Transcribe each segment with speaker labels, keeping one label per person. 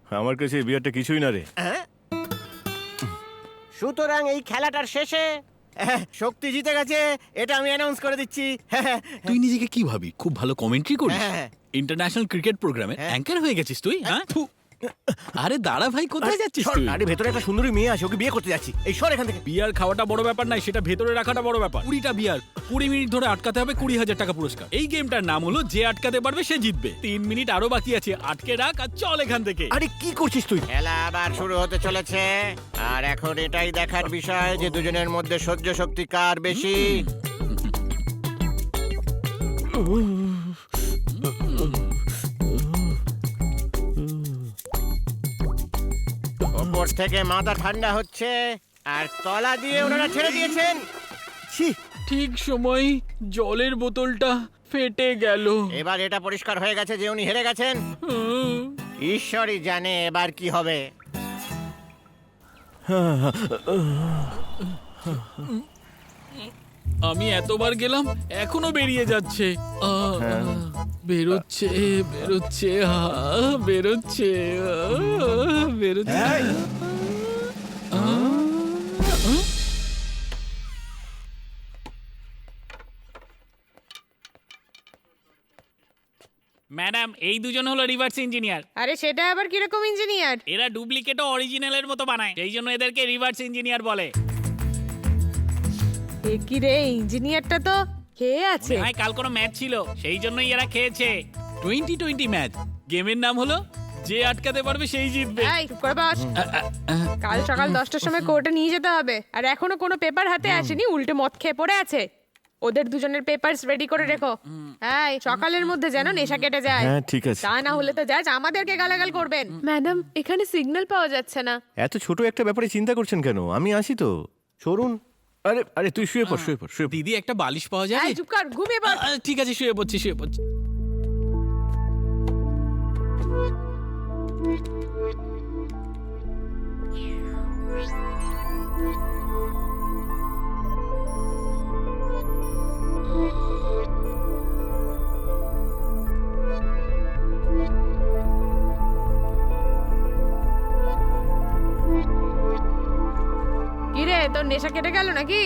Speaker 1: আমার কাছে এই বিয়ারটা কিছুই না রে।
Speaker 2: সুতরাং এই খেলাটার শেষে শক্তি জিতে গেছে, এটা আমি অ্যানাউন্স করে দিচ্ছি।
Speaker 3: তুই নিজেকে কি ভাবি? খুব ভালো কমেন্ট্রি করিস।
Speaker 2: হ্যাঁ।
Speaker 3: ইন্টারন্যাশনাল ক্রিকেট প্রোগ্রামে অ্যাঙ্কার হয়ে গেছিস তুই, হ্যাঁ? আরে দাঁড়া ভাই, কোথায় যাচ্ছিস তুই?
Speaker 2: আরে ভেতরে একটা সুন্দরী মেয়ে আছে, ওকে বিয়ে করতে যাচ্ছি। এই সর এখান থেকে।
Speaker 3: বিয়ার খাওয়াটা বড় ব্যাপার নাই, সেটা ভেতরে রাখাটা বড় ব্যাপার। 20টা বিয়ার 20 মিনিট ধরে আটকাতে হবে, 20,000 টাকা পুরস্কার। এই গেমটার নাম হলো যে আটকাতে পারবে সে জিতবে। 3 মিনিট আরো বাকি আছে, আটকে রাখ আর চল এখান থেকে।
Speaker 2: আরে কি করছিস তুই? খেলা আবার শুরু হতে চলেছে, আর এখন এটাই দেখার বিষয় যে দুজনের মধ্যে সহ্য শক্তি কার বেশি। ওপর থেকে মাথা ঠান্ডা হচ্ছে, আর তলা দিয়ে ওনারা ছেড়ে দিয়েছেন। ছি,
Speaker 3: ঠিক সময় জলের বোতলটা ফেটে গেল।
Speaker 2: এবার এটা পরিষ্কার হয়ে গেছে যে উনি হেরে গেছেন। ঈশ্বরই জানে এবার কি হবে।
Speaker 3: আমি এতবার গেলাম, এখনো বেরিয়ে যাচ্ছে। বেরোচ্ছে বেরোচ্ছে বেরোচ্ছে বেরোচ্ছে।
Speaker 4: ম্যাডাম, এই দুজন হলো রিভার্স ইঞ্জিনিয়ার।
Speaker 5: আরে সেটা আবার কিরকম ইঞ্জিনিয়ার?
Speaker 4: এরা ডুপ্লিকেটও অরিজিনালের মতো বানায়, সেই জন্য এদেরকে রিভার্স ইঞ্জিনিয়ার বলে।
Speaker 5: এ কি রে, ইঞ্জিনিয়ারটা তো খেয়ে আছে।
Speaker 4: ভাই, কাল কোনো ম্যাচ ছিল, সেই জন্যই এরা খেয়েছে।
Speaker 3: 2020 ম্যাচ। গেমের নাম হলো যে আটকাতে পারবে সেই জিতবে।
Speaker 5: এই চুপ করে বস। কাল সকাল 10টার সময় কোর্টে নিয়ে যেতে হবে, আর এখনো কোনো পেপার হাতে আসেনি, উল্টে মদ খেয়ে পড়ে আছে। ওদের দুজনের পেপারস রেডি করে রেখো। এই সকালের মধ্যে যেন নেশা কেটে যায়।
Speaker 1: হ্যাঁ ঠিক আছে।
Speaker 5: তা না হলে তো জাজ আমাদেরকে গালাগাল করবেন। ম্যাডাম, এখানে সিগন্যাল পাওয়া যাচ্ছে না।
Speaker 1: এত ছোট একটা ব্যাপারে চিন্তা করছেন কেন? আমি আসি তো, সরুন। আরে আরে তুই শুয়ে পড়, শুয়ে পড়, শুয়ে পড়।
Speaker 3: দিদি, একটা বালিশ পাওয়া যায়?
Speaker 5: এই চুপ কর, ঘুমিয়ে পড়।
Speaker 3: ঠিক আছে, শুয়ে পড়ছি শুয়ে পড়ছি।
Speaker 5: কি রে, তোর নেশা কেটে গেল নাকি?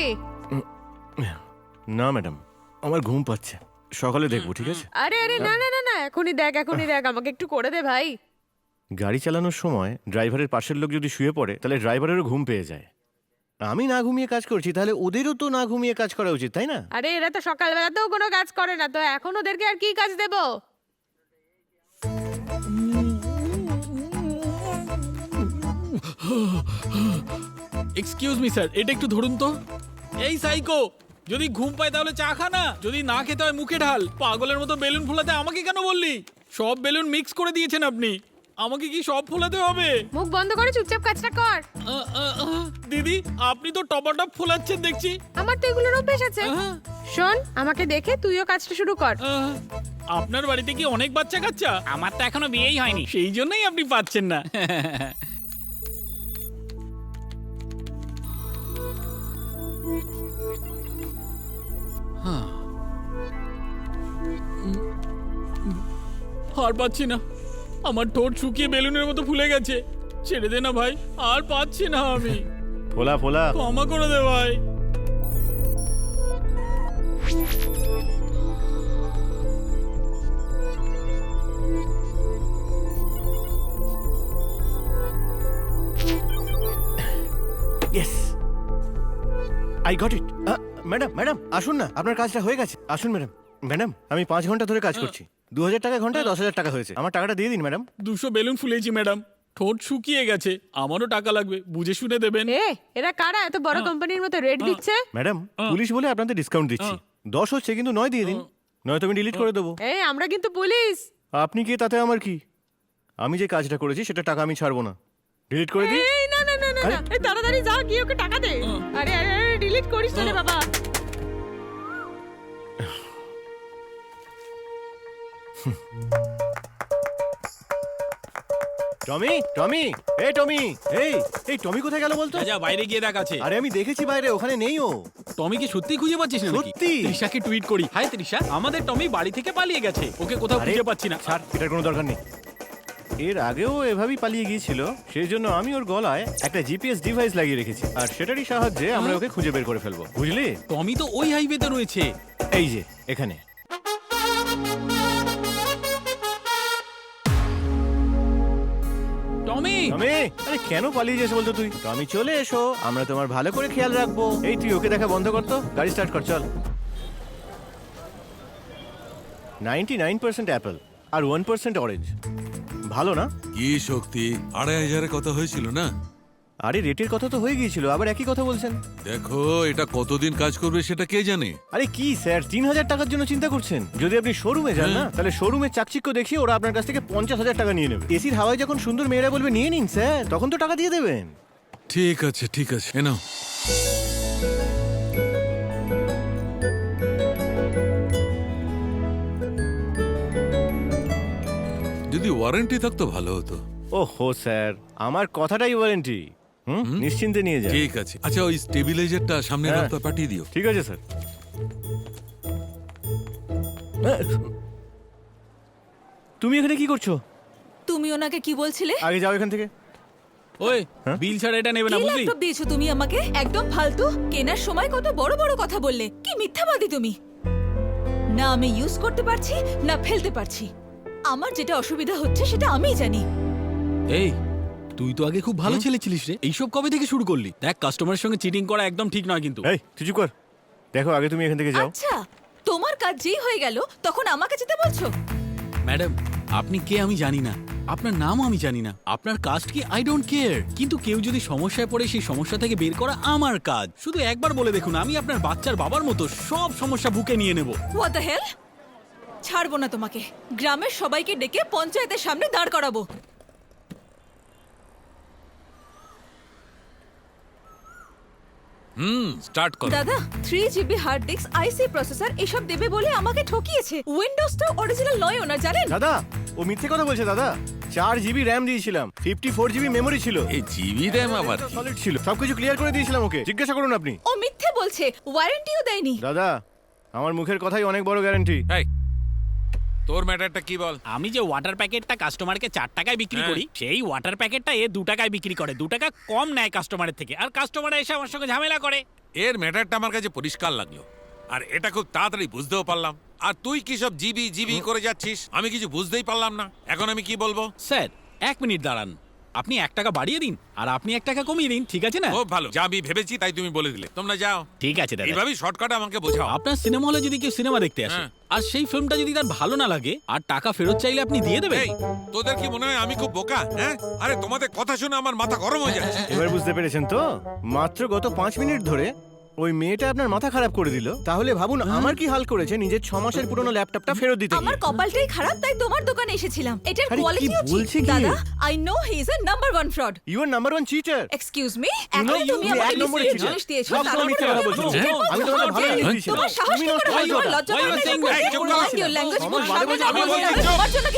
Speaker 1: না ম্যাডাম, আমার ঘুম পাচ্ছে, সকালে দেখবো, ঠিক আছে?
Speaker 5: আরে আরে না না না না, এখনই দেখ এখনই দেখ, আমাকে একটু করে দে ভাই।
Speaker 1: গাড়ি চালানোর সময় ড্রাইভারের পাশের লোক যদি শুয়ে পড়ে তাহলে ড্রাইভারেরও ঘুম পেয়ে যায়। আমি না ঘুমিয়ে কাজ করছি, তাহলে ওদেরও তো না ঘুমিয়ে কাজ করা উচিত, তাই না?
Speaker 5: আরে এরা তো সকালবেলাতেও কোনো কাজ করে না, তো এখন ওদেরকে আর কি কাজ দেব?
Speaker 3: এক্সকিউজ মি স্যার, এটা একটু ধরুন তো। এই সাইকো, যদি ঘুম পায় তাহলে চা খা না, যদি না খেতে হয় মুখে ঢাল। পাগলের মতো বেলুন ফোলাতে আমাকে কেন বললি? সব বেলুন মিক্স করে দিয়েছেন আপনি, আমাকে কি সব ফোলাতে হবে?
Speaker 5: মুখ বন্ধ করে চুপচাপ কাজটা কর।
Speaker 3: দিদি, আপনি তো টপাটপ ফোলাচ্ছেন দেখছি।
Speaker 5: আমার তো এগুলোর অভ্যেস আছে। শোন, আমাকে দেখে তুইও কাজটা শুরু কর।
Speaker 3: আপনার বাড়িতে কি অনেক বাচ্চা কাচ্চা?
Speaker 4: আমার তো এখনো বিয়েই হয়নি।
Speaker 3: সেই জন্যই আপনি পাচ্ছেন না। আর পাচ্ছি না, আমার ঠোঁট শুকিয়ে বেলুনের মতো ফুলে গেছে। ছেড়ে দে না ভাই, আর পাচ্ছি না আমি।
Speaker 1: ফোলা ফোলা।
Speaker 3: ক্ষমা করে দে ভাই।
Speaker 1: Yes, I got it. Madam madam আসুন না, আপনার কাজটা হয়ে গেছে, আসুন ম্যাডাম। ম্যাডাম, আমি 5 ঘন্টা ধরে কাজ করছি, 2000 টাকা ঘন্টায় 10,000 টাকা হয়েছে। আমার টাকাটা দিয়ে দিন ম্যাডাম।
Speaker 3: 200 বেলুন ফুলেছি ম্যাডাম, ঠোঁট শুকিয়ে গেছে, আমারও টাকা লাগবে, বুঝে শুনে দেবেন।
Speaker 5: এরা কারা এত বড় কোম্পানির মতো রেট দিচ্ছে?
Speaker 1: ম্যাডাম, পুলিশ বলে আপনাদের ডিসকাউন্ট দিচ্ছি। 10 হচ্ছে কিন্তু 9 দিয়ে দিন, নয়তো আমি ডিলিট করে দেবো।
Speaker 5: আমরা কিন্তু পুলিশ।
Speaker 1: আপনি কি, তাতে আমার কি? আমি যে কাজটা করেছি সেটা টাকা আমি ছাড়বো না, ডিলিট করে দিই।
Speaker 5: এই না না না না না, এই তাড়াতাড়ি যা, গিয়ে ওকে টাকা দে। আরে আরে আরে, ডিলিট করিস না রে বাবা।
Speaker 1: টমি, টমি, এই টমি, এই টমি কোথায় গেল বলতো?
Speaker 3: যা বাইরে গিয়ে দেখ আছে।
Speaker 1: আরে আমি দেখেছি বাইরে, ওখানে নেই ও।
Speaker 3: টমি কি সত্যি খুঁজে পাচ্ছিস না নাকি?
Speaker 1: সত্যি।
Speaker 3: তৃষাকে টুইট করি, হাই তৃষা, আমাদের টমি বাড়ি থেকে পালিয়ে গেছে, ওকে কোথাও
Speaker 1: আরে,
Speaker 3: খুঁজে পাচ্ছি না।
Speaker 1: ছাড়, এটার কোনো দরকার নেই। এর আগেও এভাবেই পালিয়ে গিয়েছিল, সেই জন্য আমি ওর গলায় একটা জিপিএস ডিভাইস লাগিয়ে রেখেছি, আর সেটারই সাহায্যে আমরা ওকে খুঁজে বের করে ফেলবো, বুঝলি?
Speaker 3: টমি তো ওই হাইওয়েতে রয়েছে।
Speaker 1: এই যে এখানে।
Speaker 3: টমি,
Speaker 1: টমি, আরে কেন পালিয়ে যাস বলতো তুই? টমি চলে এসো, আমরা তোমার ভালো করে খেয়াল রাখবো। এই তুই ওকে দেখা বন্ধ কর তো, গাড়ি স্টার্ট কর, চল। 99% অ্যাপেল আর 1% অরেঞ্জ। ভালো না?
Speaker 6: কি শক্তি, 2500 কথা হয়েছিল না?
Speaker 1: আরে রেটের কথা তো হয়ে গিয়েছিল, আবার একই কথা বলছেন।
Speaker 6: দেখো এটা কতদিন কাজ করবে সেটা কে জানে।
Speaker 1: আরে কি স্যার, 3000 টাকার জন্য চিন্তা করছেন? যদি আপনি শোরুমে যান না, তাহলে শোরুমের চাকচিক্য দেখিয়ে ওরা আপনার কাছ থেকে 50,000 টাকা নিয়ে নেবে। এসির হাওয়ায় যখন সুন্দর মেয়েরা বলবে নিয়ে নিন স্যার, তখন তো টাকা দিয়ে দেবেন।
Speaker 6: ঠিক আছে ঠিক আছে, এ নাও। যদি ওয়ারেন্টি থাকতো ভালো হতো।
Speaker 1: ওহো স্যার, আমার কথাটাই ওয়ারেন্টি। নিশ্চিন্তে নিয়ে যান।
Speaker 6: ঠিক আছে, আচ্ছা ওই স্টেবিলাইজারটা সামনের
Speaker 1: হ্যাঁ।
Speaker 6: রাস্তা পাঠিয়ে দিও।
Speaker 1: ঠিক আছে স্যার। তুমি এখানে কি করছো?
Speaker 7: তুমি ওনাকে কি বলছিলে?
Speaker 1: আগে যাও এখান থেকে।
Speaker 3: ওই
Speaker 1: হ্যাঁ?
Speaker 3: বিল ছাড়া এটা নেবে না,
Speaker 7: কি
Speaker 3: বুঝলি?
Speaker 7: ল্যাপটপ দিয়েছো তুমি আমাকে? একদম ফালতু। কেনার সময় কত বড় বড় কথা বললে, কি মিথ্যাবাদী তুমি। না আমি ইউজ করতে পারছি না ফেলতে পারছি। আমার যেটা অসুবিধা হচ্ছে সেটা আমিই জানি।
Speaker 3: এই তুই তো আগে খুব ভালো ছেলে ছিলিস রে, এইসব কবে থেকে শুরু করলি? দেখ, কাস্টমারের সঙ্গে চিটিং করা একদম ঠিক নয় কিন্তু।
Speaker 1: এই তুই চুপ কর। দেখো আগে তুমি এখান থেকে যাও।
Speaker 7: আচ্ছা, তোমার কাজ যেই হয়ে গেল তখন আমাকে যেতে বলছো?
Speaker 3: ম্যাডাম, আপনি কে আমি জানি না, আপনার নামও আমি জানি না, আপনার কাস্ট কি আই ডোন্ট কেয়ার, কিন্তু কেউ যদি সমস্যায় পড়ে সেই সমস্যা থেকে বের করা আমার কাজ। শুধু একবার বলে দেখুন, আমি আপনার বাচ্চার বাবার মতো সব সমস্যা বুকে নিয়ে নেব।
Speaker 7: What the hell? ছাড়বো না তোমাকে। গ্রামের সবাইকে ডেকে পঞ্চায়েতের সামনে দাঁড় করাবো।
Speaker 6: স্টার্ট করো।
Speaker 7: দাদা, 3GB হার্ড ডিস্ক, আইসি প্রসেসর এসব দেবে বলে আমাকে ঠকিয়েছে। উইন্ডোজটা অরিজিনাল নয় ওনার, জানেন?
Speaker 1: দাদা, ও মিথ্যে কথা বলছে দাদা। 4GB র্যাম দিয়েছিলাম, 54GB মেমোরি ছিল,
Speaker 6: এই জিবি র্যাম আবার কি?
Speaker 1: সলিড ছিল, সবকিছু ক্লিয়ার করে দিয়েছিলাম ওকে। জিজ্ঞাসা করুন আপনি।
Speaker 7: ও মিথ্যে বলছে, ওয়ারেন্টিও দেয়নি।
Speaker 1: দাদা, আমার মুখের কথাই অনেক বড় গ্যারান্টি।
Speaker 6: এই তোর ম্যাটারটা কি বল?
Speaker 4: আমি যে ওয়াটার প্যাকেটটা কাস্টমারকে 4 টাকায় বিক্রি
Speaker 6: হ্যাঁ।
Speaker 4: করি, সেই ওয়াটার প্যাকেটটা এ 2 টাকায় বিক্রি করে, 2 টাকা কম নেয় কাস্টমারের থেকে, আর কাস্টমার এসে আমার সঙ্গে ঝামেলা করে।
Speaker 6: এর ম্যাটারটা আমার কাছে পরিষ্কার লাগলো, আর এটা খুব তাড়াতাড়ি বুঝতেও পারলাম। আর তুই কি সব জিবি জিবি করে যাচ্ছিস, আমি কিছু বুঝতেই পারলাম না। এখন আমি কি বলবো?
Speaker 3: স্যার 1 মিনিট দাঁড়ান, আপনি 1 টাকা বাড়িয়ে দিন আর আপনি 1 টাকা কমিয়ে দিন, ঠিক আছে না?
Speaker 6: খুব ভালো, যা আমি ভেবেছি তাই তুমি বলে দিলে। তোমরা যাও,
Speaker 4: ঠিক আছে দাদা।
Speaker 6: এইভাবেই শর্টকাটে আমাকে বোঝাও।
Speaker 3: আপনার সিনেমা হলে যদি কেউ সিনেমা দেখতে আসে
Speaker 6: হ্যাঁ।
Speaker 3: আর সেই ফিল্মটা যদি তার ভালো না লাগে আর টাকা ফেরত চাইলে আপনি দিয়ে দেবেন?
Speaker 6: এই তোদের কি মনে হয় আমি খুব বোকা? হ্যাঁ, আরে তোমাদের কথা শুনে আমার মাথা গরম হয়ে যাচ্ছে।
Speaker 1: এবার বুঝতে পেরেছেন তো? মাত্র গত 5 মিনিট ধরে ওই মেয়েটা আপনার মাথা খারাপ করে দিল। তাহলে ভাবুন আমার কি হাল করেছে নিজের 6 মাসের পুরনো ল্যাপটপটা ফেরত দিতে
Speaker 7: আমার
Speaker 1: গিয়ে।
Speaker 7: কপালটাই খারাপ, তাই তোমার দোকানে এসেছিলাম। এটার
Speaker 1: আরে, কি
Speaker 7: কোয়ালিটিও
Speaker 1: বলছে
Speaker 7: ঠিক।
Speaker 1: কি?
Speaker 7: দাদা, I know he is a number 1 fraud.
Speaker 1: You are number 1 cheater.
Speaker 7: Excuse me,
Speaker 1: You know,
Speaker 7: এখন তুমি
Speaker 1: you
Speaker 7: আমাকে
Speaker 1: এক নম্বরে
Speaker 7: মিসলিড
Speaker 1: cheater।
Speaker 7: জিনিস দিয়েছো,
Speaker 1: সব
Speaker 7: তার
Speaker 1: সময় মিথ্যে কথা
Speaker 7: উপরে
Speaker 1: বলছো।
Speaker 7: আমাকে
Speaker 6: হ্যাঁ?
Speaker 1: আমি তোমাকে ভালো জিনিস
Speaker 7: বলছো?
Speaker 1: দিয়েছিলাম।
Speaker 7: তোমার সাহস
Speaker 1: তুমি
Speaker 7: কি
Speaker 1: নষ্ট
Speaker 7: করে হয়?
Speaker 1: করেছো
Speaker 7: তোমার
Speaker 1: ওটা।
Speaker 7: লজ্জা
Speaker 3: Why
Speaker 7: করে
Speaker 3: you
Speaker 7: না?
Speaker 3: saying that?
Speaker 6: এই, চুপ করো।
Speaker 7: Mind your language,
Speaker 1: আমার
Speaker 7: তোমার
Speaker 1: বাজে
Speaker 7: সামনে
Speaker 1: বলছো,
Speaker 7: না
Speaker 1: আমি
Speaker 7: বলছি,
Speaker 1: বলছি,
Speaker 7: আমি
Speaker 1: চুপ।
Speaker 7: তোমার জন্য কি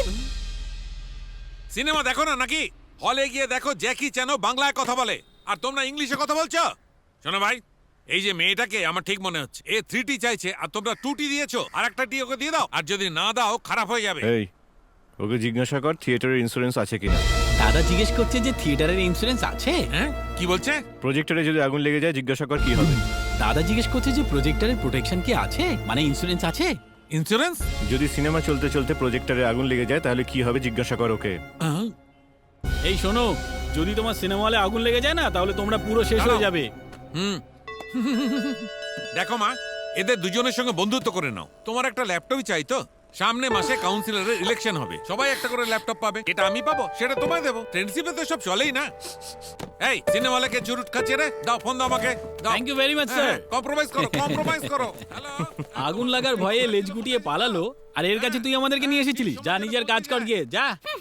Speaker 6: সিনেমা দেখো না নাকি? হলে গিয়ে দেখো জ্যাকি চ্যানো বাংলায় কথা বলে, আর তোমরা ইংলিশে কথা বলছো। শোনো ভাই, এই যে মেয়েটাকে আমার ঠিক মনে হচ্ছে এ 3T চাইছে, আর তোমরা 2T দিয়েছো, আর একটা টি ওকে দিয়ে দাও, আর যদি না দাও খারাপ হয়ে যাবে।
Speaker 1: এই ওকে জিজ্ঞাসা কর থিয়েটারের ইন্স্যুরেন্স আছে কিনা।
Speaker 3: দাদা জিজ্ঞেস করছে যে থিয়েটারের ইন্স্যুরেন্স আছে।
Speaker 6: হ্যাঁ, কি বলছে?
Speaker 1: প্রজেক্টরে যদি আগুন লেগে যায় জিজ্ঞাসা কর কি হবে।
Speaker 3: দাদা জিজ্ঞেস করছে যে প্রজেক্টরের প্রোটেকশন কি আছে, মানে ইন্স্যুরেন্স আছে?
Speaker 6: ইন্স্যুরেন্স?
Speaker 1: যদি সিনেমা চলতে চলতে প্রজেক্টরে আগুন লেগে যায় তাহলে কি হবে জিজ্ঞাসা কর ওকে।
Speaker 3: এই শোনো, যদি তোমার সিনেমা হলে আগুন লেগে যায় না, তাহলে তোমরা পুরো শেষ হয়ে যাবে।
Speaker 6: হুম। দেখো মা, এদের দুজনের সঙ্গে বন্ধুত্ব করে নাও। তোমার একটা ল্যাপটপই চাই তো? সামনে মাসে কাউন্সিলরের ইলেকশন হবে, সবাই একটা করে ল্যাপটপ পাবে। এটা আমি পাবো, সেটা তোমায় দেবো। ফ্রেন্ডশিপে তো সব চলেই না। এই সিনেমা হলে কে চুরুট খাচ্ছে রে? দাও ফোন দাও আমাকে, দাও।
Speaker 3: Thank you very much sir.
Speaker 6: Compromise করো, কম্প্রোমাইজ করো। হ্যালো।
Speaker 3: আগুন লাগার ভয়ে লেজ গুটিয়ে পালালো, আর এর কাছে তুই আমাদেরকে নিয়ে এসেছিলিস? যা নিজের কাজ কর গিয়ে, যা।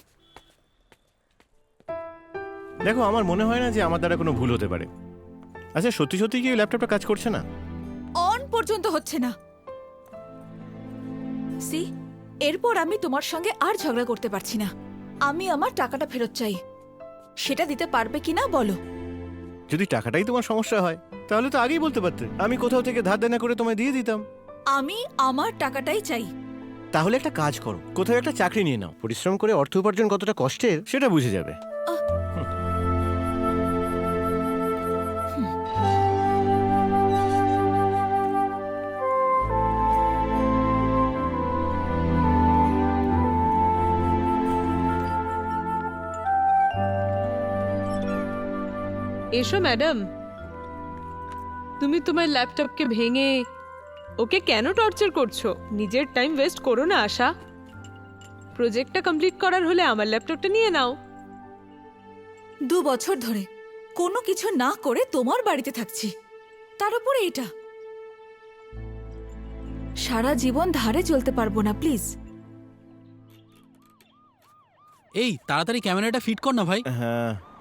Speaker 1: দেখো আমার মনে হয় না যে আমার দ্বারা কোনো ভুল হতে পারে। আচ্ছা সত্যি সত্যি কি ওই ল্যাপটপটা কাজ করছে না?
Speaker 7: অন পর্যন্ত হচ্ছে না। সি, এরপর আমি তোমার সঙ্গে আর ঝগড়া করতে পারছি না। আমি আমার টাকাটা ফেরত চাই। সেটা দিতে পারবে কিনা বলো?
Speaker 1: যদি টাকাটাই তোমার সমস্যা হয় তাহলে তো আগেই বলতে পারতে, আমি কোথাও থেকে ধার দেনা করে তোমায় দিয়ে দিতাম।
Speaker 7: আমি আমার টাকাটাই চাই।
Speaker 1: তাহলে একটা কাজ করো, কোথাও একটা চাকরি নিয়ে নাও। পরিশ্রম করে অর্থ উপার্জন কতটা কষ্টের সেটা বুঝে যাবে।
Speaker 5: এসো ম্যাডাম। তুমি তোমার ল্যাপটপকে ভেঙে ওকে কেন টর্চার করছো? নিজের টাইম ওয়েস্ট করো না আশা। প্রজেক্টটা কমপ্লিট করার হলে আমার ল্যাপটপটা নিয়ে নাও।
Speaker 7: 2 বছর ধরে কোনো কিছু না করে তোমার বাড়িতে থাকছি, তার উপরে এটা। সারা জীবন ধারে চলতে পারবো না, প্লিজ।
Speaker 3: এই তাড়াতাড়ি ক্যামেরাটা ফিট কর না ভাই।
Speaker 1: হ্যাঁ